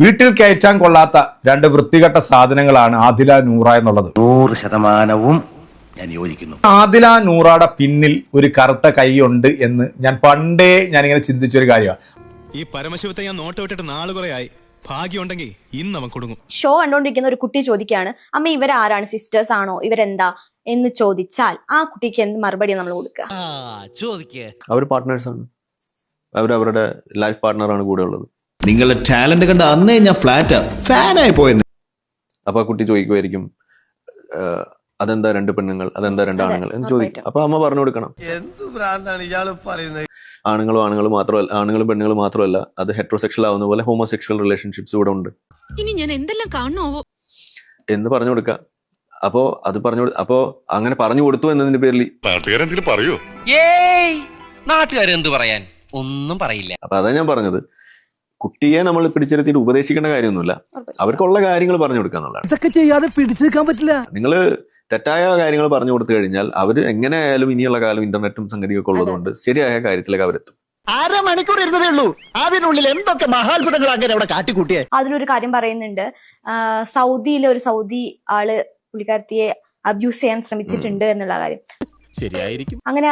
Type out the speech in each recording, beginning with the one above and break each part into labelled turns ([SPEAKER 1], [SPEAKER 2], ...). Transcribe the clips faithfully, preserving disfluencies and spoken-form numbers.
[SPEAKER 1] വീട്ടിൽ കയറ്റാൻ കൊള്ളാത്ത രണ്ട് വൃത്തികെട്ട സാധനങ്ങളാണ് ആദില നൂറ എന്നുള്ളത്.
[SPEAKER 2] നൂറ് ശതമാനവും ഞാൻ യോജിക്കുന്നു.
[SPEAKER 1] ആദില നൂറയുടെ പിന്നിൽ ഒരു കറുത്ത കൈയുണ്ട് എന്ന് ഞാൻ പണ്ടേ ഞാനിങ്ങനെ ചിന്തിച്ചൊരു കാര്യമാണ്.
[SPEAKER 3] ഈ പരമശിവത്തെ ഞാൻ നോട്ട് വിട്ടിട്ട് നാള് കുറെ ആയി. ഭാഗ്യമുണ്ടെങ്കിൽ ഇന്ന് അവൻ കൊടുങ്ങും.
[SPEAKER 4] ഷോ കണ്ടോണ്ടിരിക്കുന്ന ഒരു കുട്ടി ചോദിക്കുകയാണ്, അമ്മ ഇവരാരാണ്, സിസ്റ്റേഴ്സ് ആണോ, ഇവരെന്താ എന്ന് ചോദിച്ചാൽ ആ കുട്ടിക്ക് എന്ത് മറുപടി നമ്മൾ കൊടുക്കുക?
[SPEAKER 5] അവർ പാർട്ട്നേഴ്സ് ആണ്, അവർ അവരുടെ ലൈഫ് പാർട്ട്ണറാണ് കൂടെ ഉള്ളത്.
[SPEAKER 6] നിങ്ങളുടെ ടാലന്റ് കണ്ട അന്നേ ഞാൻ ഫ്ലാറ്റ് ഫാനായി പോയെന്ന്.
[SPEAKER 5] അപ്പൊ ആ കുട്ടി ചോദിക്കുമായിരിക്കും, അതെന്താ രണ്ട് പെണ്ണുങ്ങൾ, അതെന്താ രണ്ട് ആണുങ്ങൾ എന്ന് ചോദിക്കും. അപ്പൊ അമ്മ പറഞ്ഞു കൊടുക്കണം, ആണുങ്ങളും ആണുങ്ങളും മാത്രമല്ല, ആണുങ്ങളും പെണ്ണുങ്ങളും മാത്രമല്ല, അത് ഹെറ്ററോസെക്ഷൽ ആവുന്ന പോലെ ഹോമോസെക്ഷൽ റിലേഷൻഷിപ്സ് ഇവിടെ ഉണ്ട്
[SPEAKER 7] ഇനി ഞാൻ എന്തെല്ലാം കാണണോ
[SPEAKER 5] എന്ന് പറഞ്ഞു കൊടുക്കുക. അപ്പോ അത് പറഞ്ഞു അപ്പോ അങ്ങനെ പറഞ്ഞു കൊടുത്തു എന്നതിന്റെ പേരിൽ
[SPEAKER 8] നാട്ടുകാരെന്തെങ്കിലും പറയൂ?
[SPEAKER 2] നാട്ടുകാരെന്ത് പറയാൻ, ഒന്നും പറയില്ല.
[SPEAKER 5] അപ്പൊ അതാ ഞാൻ പറഞ്ഞത്, കുട്ടിയെ നമ്മൾ പിടിച്ചിരുത്തിയിട്ട് ഉപദേശിക്കേണ്ട കാര്യമൊന്നുമില്ല, അവർക്കുള്ള കാര്യങ്ങൾ പറഞ്ഞു കൊടുക്കുക എന്നുള്ളതാണ്.
[SPEAKER 9] ഇതൊക്കെ ചെയ്യാതെ പിടിച്ചു നിൽക്കാൻ പറ്റില്ല.
[SPEAKER 5] നിങ്ങൾ തെറ്റായ കാര്യങ്ങൾ പറഞ്ഞു കൊടുത്തു കഴിഞ്ഞാൽ അവർ എങ്ങനെയായാലും ഇനിയുള്ള കാലം ഇന്റർനെറ്റും സംഗതിയൊക്കെ ഉള്ളതുകൊണ്ട് ശരിയായ കാര്യത്തിലേക്ക് അവരെത്തും.
[SPEAKER 2] അരമണിക്കൂർ ഇരുന്നതേ ഉള്ളൂ, അതിനുള്ളിൽ എന്തൊക്കെ മഹാത്ഭുതങ്ങൾ അങ്ങനെ അവിടെ കാട്ടിക്കൂട്ടിയെ.
[SPEAKER 4] അതിലൊരു കാര്യം പറയുന്നുണ്ട്, സൗദിയിലെ ഒരു സൗദി ആള് പുള്ളിക്കാരത്തിയെ അബ്യൂസ് ചെയ്യാൻ ശ്രമിച്ചിട്ടുണ്ട് എന്നുള്ള കാര്യം
[SPEAKER 3] ശരിയായിരിക്കും.
[SPEAKER 4] അങ്ങനെ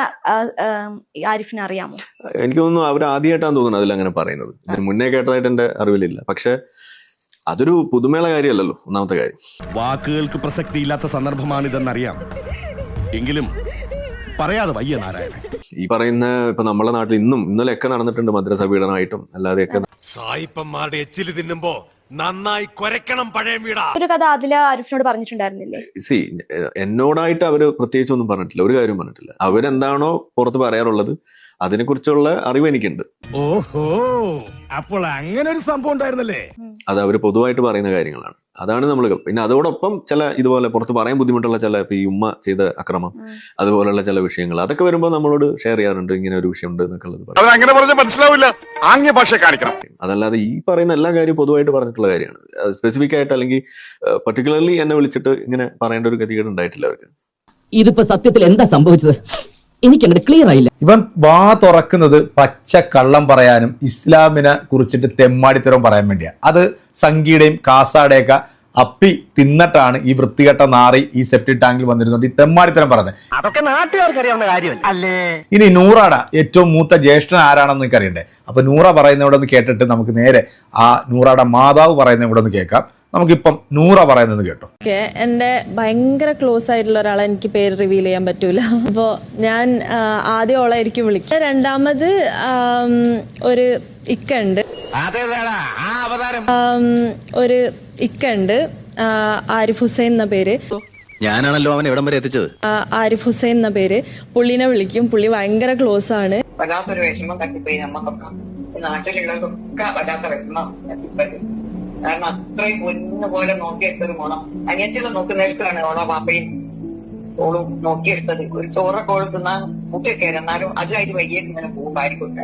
[SPEAKER 4] ആരിഫിന് അറിയാമോ?
[SPEAKER 5] എനിക്ക് തോന്നുന്നു അവർ ആദ്യമായിട്ടാണ് തോന്നുന്നത് അതിൽ അങ്ങനെ പറയുന്നത്. ഇതിന് മുന്നേ കേട്ടതായിട്ട് എന്റെ അറിവിലില്ല. പക്ഷെ അതൊരു പുതുമയുള്ള കാര്യമല്ലല്ലോ. ഒന്നാമത്തെ കാര്യം,
[SPEAKER 8] വാക്കുകൾക്ക് പ്രസക്തിയില്ലാത്ത സന്ദർഭമാണിതെന്നറിയാം, എങ്കിലും പറയാതെ വയ്യ നാരായണൻ.
[SPEAKER 5] ഈ പറയുന്ന ഇപ്പൊ നമ്മളെ നാട്ടിൽ ഇന്നും ഇന്നലെയൊക്കെ നടന്നിട്ടുണ്ട് മദ്രസ പീഡനമായിട്ടും അല്ലാതെയൊക്കെ.
[SPEAKER 8] സായിപ്പന്മാരുടെ എച്ചില് തിന്നുമ്പോ നന്നായി കുരയ്ക്കണം പഴയ വീടാ.
[SPEAKER 4] ഒരു കഥ ആദില ആരിഫിനോട് പറഞ്ഞിട്ടുണ്ടായിരുന്നില്ലേ?
[SPEAKER 5] സി എന്നോടായിട്ട് അവര് പ്രത്യേകിച്ച് ഒന്നും പറഞ്ഞിട്ടില്ല, ഒരു കാര്യം പറഞ്ഞിട്ടില്ല. അവരെന്താണോ പുറത്ത് പറയാറുള്ളത് അതിനെ കുറിച്ചുള്ള അറിവ് എനിക്കുണ്ട്.
[SPEAKER 8] ഓഹോ, അപ്പോൾ അങ്ങനെ ഒരു സംഭവം ഉണ്ടായിരുന്നല്ലേ?
[SPEAKER 5] അത് അവര് പൊതുവായിട്ട് പറയുന്ന കാര്യങ്ങളാണ്. അതാണ് നമ്മൾ. പിന്നെ അതോടൊപ്പം ചില ഇതുപോലെ പുറത്ത് പറയാൻ ബുദ്ധിമുട്ടുള്ള ചില ഇപ്പൊ ഈ ഉമ്മ ചെയ്ത അക്രമം അതുപോലുള്ള ചില വിഷയങ്ങൾ അതൊക്കെ വരുമ്പോൾ നമ്മളോട് ഷെയർ ചെയ്യാറുണ്ട്, ഇങ്ങനെ ഒരു വിഷയം ഉണ്ട് എന്നൊക്കെ ഉള്ളത്.
[SPEAKER 8] അങ്ങനെ പറഞ്ഞാൽ മനസ്സിലാവില്ല, ആംഗ്യ ഭാഷ കാണിക്കണം.
[SPEAKER 5] അതല്ലാതെ ഈ പറയുന്ന എല്ലാ കാര്യവും പൊതുവായിട്ട് പറഞ്ഞിട്ടുള്ള കാര്യമാണ്. സ്പെസിഫിക് ആയിട്ട് അല്ലെങ്കിൽ പർട്ടിക്കുലർലി എന്നെ വിളിച്ചിട്ട് ഇങ്ങനെ പറയേണ്ട ഒരു ഗതികേട് ഉണ്ടായിട്ടില്ല അവർക്ക്.
[SPEAKER 9] ഇതിപ്പോ സത്യത്തിൽ എന്താ സംഭവിച്ചത് എനിക്കങ്ങനെ ക്ലിയർ ആയില്ല.
[SPEAKER 1] ഇവൻ വാ തുറക്കുന്നത് പച്ച കള്ളം പറയാനും ഇസ്ലാമിനെ കുറിച്ചിട്ട് തെമ്മാടിത്തരം പറയാൻ വേണ്ടിയാണ്. അത് സംഗീയുടെയും കാസാടെയൊക്കെ അപ്പി തിന്നിട്ടാണ് ഈ വൃത്തികെട്ട നാറി ഈ സെപ്റ്റി ടാങ്കിൽ വന്നിരുന്നുണ്ട് ഈ തെമ്മാടിത്തരം പറഞ്ഞത്.
[SPEAKER 2] അതൊക്കെ നാട്ടുകാർക്ക് അറിയാവുന്ന കാര്യമല്ല അല്ലേ?
[SPEAKER 1] ഇനി നൂറാട ഏറ്റവും മൂത്ത ജ്യേഷ്ഠൻ ആരാണെന്ന് എനിക്ക് അറിയണ്ടേ. അപ്പൊ നൂറ പറയുന്നവിടെ ഒന്ന് കേട്ടിട്ട് നമുക്ക് നേരെ ആ നൂറാടെ മാതാവ് പറയുന്ന ഇവിടെ ഒന്ന് കേൾക്കാം. നമുക്കിപ്പം നൂറ പറയുന്നത് കേട്ടോ.
[SPEAKER 10] എൻ്റെ ഭയങ്കര ക്ലോസ് ആയിട്ടുള്ള ഒരാളെ എനിക്ക് പേര് റിവീൽ ചെയ്യാൻ പറ്റൂല. അപ്പോൾ ഞാൻ ആദ്യം ഓളായിരിക്കും വിളിക്കുക. രണ്ടാമത് ഒരു ഇക്ക ഉണ്ട്, ഒരു ഇക്ക ഉണ്ട്, ആരിഫ് ഹുസൈൻ എന്ന പേര്.
[SPEAKER 2] ഞാനാണല്ലോ അവൻ എവിടം വരെ എത്തിച്ചത്.
[SPEAKER 10] ആരിഫ് ഹുസൈൻ എന്ന പേര്. പുള്ളിനെ വിളിക്കും, പുള്ളി ഭയങ്കര ക്ലോസ് ആണ്.
[SPEAKER 11] വല്ലാത്തൊരു വിഷമം തട്ടിപ്പോയി നമ്മക്കൊക്കെ, നാട്ടിലുള്ളവർക്കൊക്കെ വല്ലാത്ത വിഷമം തട്ടിപ്പോയി. കാരണം അത്രയും പൊന്നു പോലെ നോക്കിയെടുത്തൊരു മോണം അനിയത്തിനെ നോക്കുന്നേൽക്കാണ് ഓളോ പാപ്പയും ഓളും നോക്കിയെടുത്തത്. ഒരു ചോറൊക്കെ ഓള് തിന്നാൻ മുട്ടയൊക്കെ എന്നാലും അതിലായിട്ട് വൈകിട്ട് ഇങ്ങനെ പോകും ഭാര്യക്കൊക്കെ.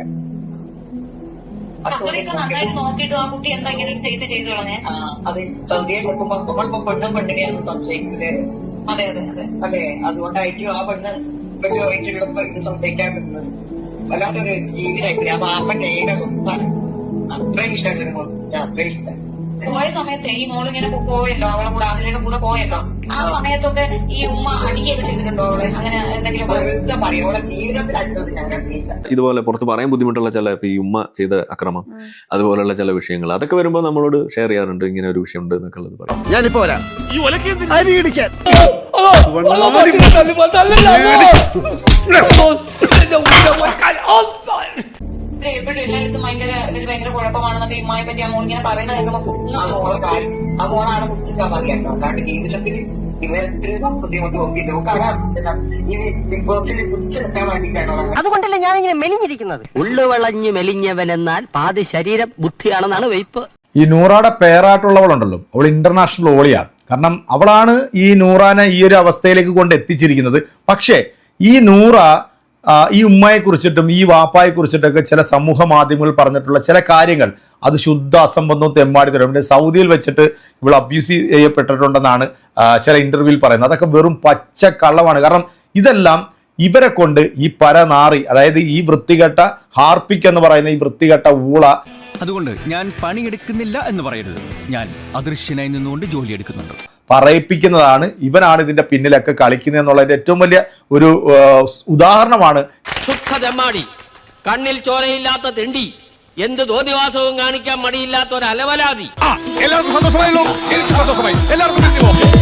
[SPEAKER 11] അത് സന്ധ്യയെ നോക്കുമ്പോ നമ്മളിപ്പോ പെണ്ണും പെണ്ണിനെയാണ് സംശയിക്കില്ലേ? അതെ അതെ അതെ അല്ലേ? അതുകൊണ്ടായിരിക്കും ആ പെണ്ണ് വലിയ ഇത് സംശയിക്കാൻ പറ്റുന്നത്. വല്ലാത്തൊരു ജീവിതമായിട്ടില്ല. ആ പാപ്പന്റെ ഏക സ്വത്താണ്. അത്രയും ഇഷ്ടമല്ല, അത്രയും ഇഷ്ടം.
[SPEAKER 7] പോയ സമയത്ത് ഈ മോളിങ്ങനെ പോയല്ലോ, അവളെ കൂടെ അതിലെ കൂടെ പോയല്ലോ, ആ സമയത്തൊക്കെ ഈ ഉമ്മ അടിക്കുകയൊക്കെ ചെയ്തിട്ടുണ്ടോ അവള്? അങ്ങനെ എന്തെങ്കിലും
[SPEAKER 11] പറയോളെ ജീവിതത്തിൽ അടുത്തത് ഞങ്ങൾ
[SPEAKER 5] ഇതുപോലെ പുറത്ത് പറയാൻ ബുദ്ധിമുട്ടുള്ള ചില ഇപ്പൊ ഈ ഉമ്മ ചെയ്ത അക്രമം അതുപോലുള്ള ചില വിഷയങ്ങൾ അതൊക്കെ വരുമ്പോൾ നമ്മളോട് ഷെയർ ചെയ്യാറുണ്ട്, ഇങ്ങനെ ഒരു വിഷയം ഉണ്ട് എന്നൊക്കെ ഉള്ളത് പറയാം.
[SPEAKER 2] ഞാനിപ്പോ വരാം.
[SPEAKER 7] എപ്പോഴും എല്ലായിടത്തും ഭയങ്കര ഇത് ഭയങ്കര കുഴപ്പമാണെന്നൊക്കെ ഇമ്മായെ പറ്റി ആ മോളിങ്ങനെ പറയുന്നത് കേൾക്കുമ്പോ
[SPEAKER 11] ആ മോളാണ് കുറിച്ചിട്ടാ പറയാട്ടോ. കാരണം ജീവിതത്തിൽ ഇവർക്ക് ബുദ്ധിമുട്ട് നോക്കിയില്ല. കാരണം ഈ ബിഗ് ബോസിൽ പിടിച്ചു നിൽക്കാൻ വേണ്ടിയിട്ടാണോ?
[SPEAKER 2] അതുകൊണ്ടല്ലേ ഞാൻ ഇങ്ങനെ മെലിഞ്ഞിരിക്കുന്നത്. ഉള്ളു വളഞ്ഞ് മെലിഞ്ഞവൻ എന്നാൽ പാതി ശരീരം ബുദ്ധിയാണെന്നാണ് വെയ്പ്പ്.
[SPEAKER 1] ഈ നൂറാടെ പേരായിട്ടുള്ളവളുണ്ടല്ലോ, അവൾ ഇന്റർനാഷണൽ ഓളിയാണ്. കാരണം അവളാണ് ഈ നൂറാനെ ഈ ഒരു അവസ്ഥയിലേക്ക് കൊണ്ട് എത്തിച്ചിരിക്കുന്നത്. പക്ഷേ ഈ നൂറ ഈ ഉമ്മയെ കുറിച്ചിട്ടും ഈ വാപ്പായെ കുറിച്ചിട്ടൊക്കെ ചില സമൂഹ മാധ്യമങ്ങൾ പറഞ്ഞിട്ടുള്ള ചില കാര്യങ്ങൾ അത് ശുദ്ധ അസംബന്ധവും തെമ്മാടിത്തരം. പിന്നെ സൗദിയിൽ വെച്ചിട്ട് ഇവൾ അബ്യൂസ് ചെയ്യപ്പെട്ടിട്ടുണ്ടെന്നാണ് ചില ഇന്റർവ്യൂവിൽ പറയുന്നത്. അതൊക്കെ വെറും പച്ച കള്ളമാണ്. കാരണം ഇതെല്ലാം ഇവരെ കൊണ്ട് ഈ പരനാറി, അതായത് ഈ വൃത്തികെട്ട ഹാർപ്പിക് എന്ന് പറയുന്ന ഈ വൃത്തികെട്ട ഊള
[SPEAKER 6] അതുകൊണ്ട് ഞാൻ പണിയെടുക്കുന്നില്ല എന്ന് പറയരുത്. ഞാൻ അദൃശ്യനായി നിന്നുകൊണ്ട് ജോലി എടുക്കുന്നുണ്ട്.
[SPEAKER 1] പറയിപ്പിക്കുന്നതാണ്, ഇവനാണ് ഇതിന്റെ പിന്നിലൊക്കെ കളിക്കുന്നത് എന്നുള്ളതിന്റെ ഏറ്റവും വലിയ ഒരു ഉദാഹരണമാണ്.
[SPEAKER 2] സുഖദമാടി, കണ്ണിൽ ചോരയില്ലാത്ത തെണ്ടി, എന്ത് തോന്നിവാസവും കാണിക്കാൻ മടിയില്ലാത്ത ഒരു അലവലാതി.
[SPEAKER 8] എല്ലാവർക്കും സന്തോഷമായല്ലോ. എനിക്ക് സന്തോഷമായി. എല്ലാവർക്കും